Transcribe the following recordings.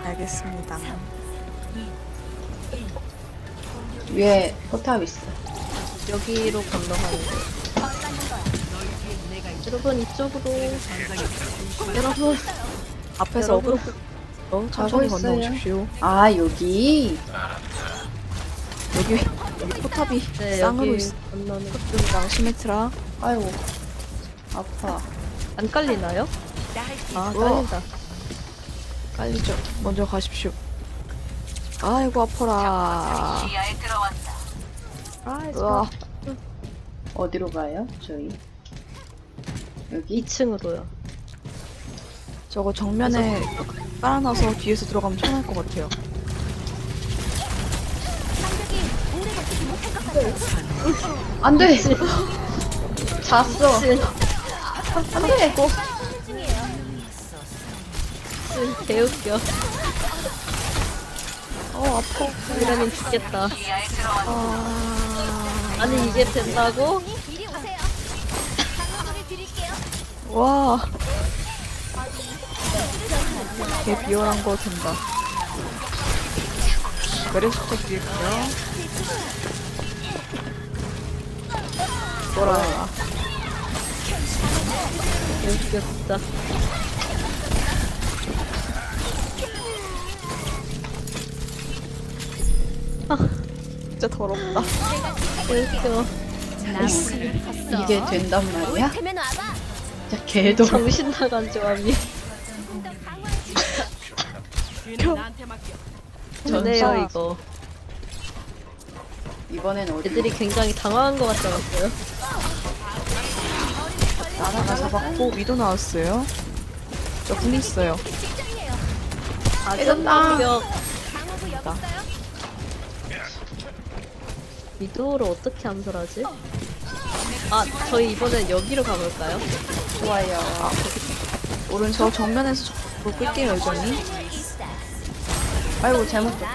알겠습니다. 위에 포탑 있어. 여기로 건너가는 거. 여러분 이쪽으로. 여러분 앞에서 여러분. 천천히 가고 있어요. 건너오십시오. 아, 여기. 여기 포탑이 네 쌍으로 여기 있어. 건너는. 랑 시메트라. 아이고. 아파. 안 깔리나요? 아 우와. 깔린다. 깔리죠. 먼저 가십시오. 아이고 아파라. 아 우와. 어디로 가요? 저희. 여기? 2층으로요. 저거 정면에 깔아놔서 뒤에서 들어가면 편할 것 같아요. 안 돼! 잤어. 안 돼. 개웃겨. 아파. 이러면 죽겠다. 아. 아니 이게 된다고? 와. 개 비열한 거 된다. 메르시텍 드릴게요. 뭐라. 개웃겨 진짜. 진짜 더럽다. 개웃겨. 이게 된단 말이야? 진짜 개도. 정신 나간 조합이. 좋네요 전사. 이거. 이번엔 어디? 애들이 굉장히 당황한 것 같지 않았어요? 하나 잡았고 위도 나왔어요. 저 궁 있어요. 아전방벽. 미도를 어떻게 암살하지? 아 저희 이번엔 여기로 가볼까요? 좋아요. 오른쪽 정면에서 저 끌게요 여전히. 아이고, 잘못.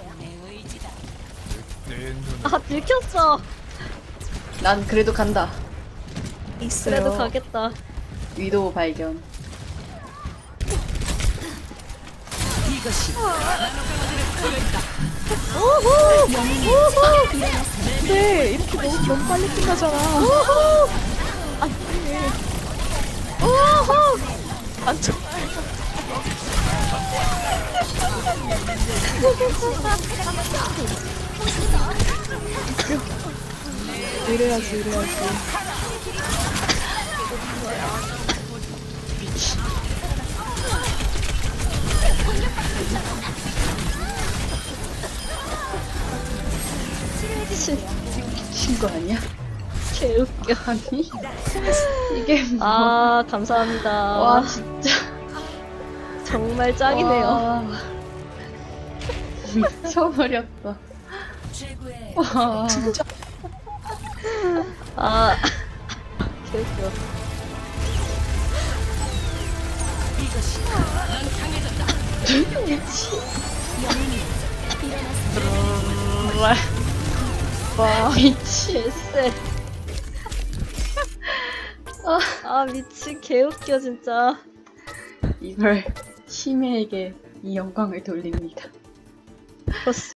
아 들켰어. 난 그래도 간다. 있어요. 그래도 가겠다. 위도우 발견. 네, 이렇게 너무 빨리 끝나잖아. 안 쳐. 이래야지, 이래야지. 미친 거 아니야? 개웃겨. 아니? 이게 뭐. 아 감사합니다. 와, 진짜. 정말 짱이네요. 와. 미쳐버렸다. 와. 진짜. 아 개웃겨. 와, 미치. 개쎄. 아 미친 개웃겨 진짜. 이걸 심해에게 이 영광을 돌립니다. 버스.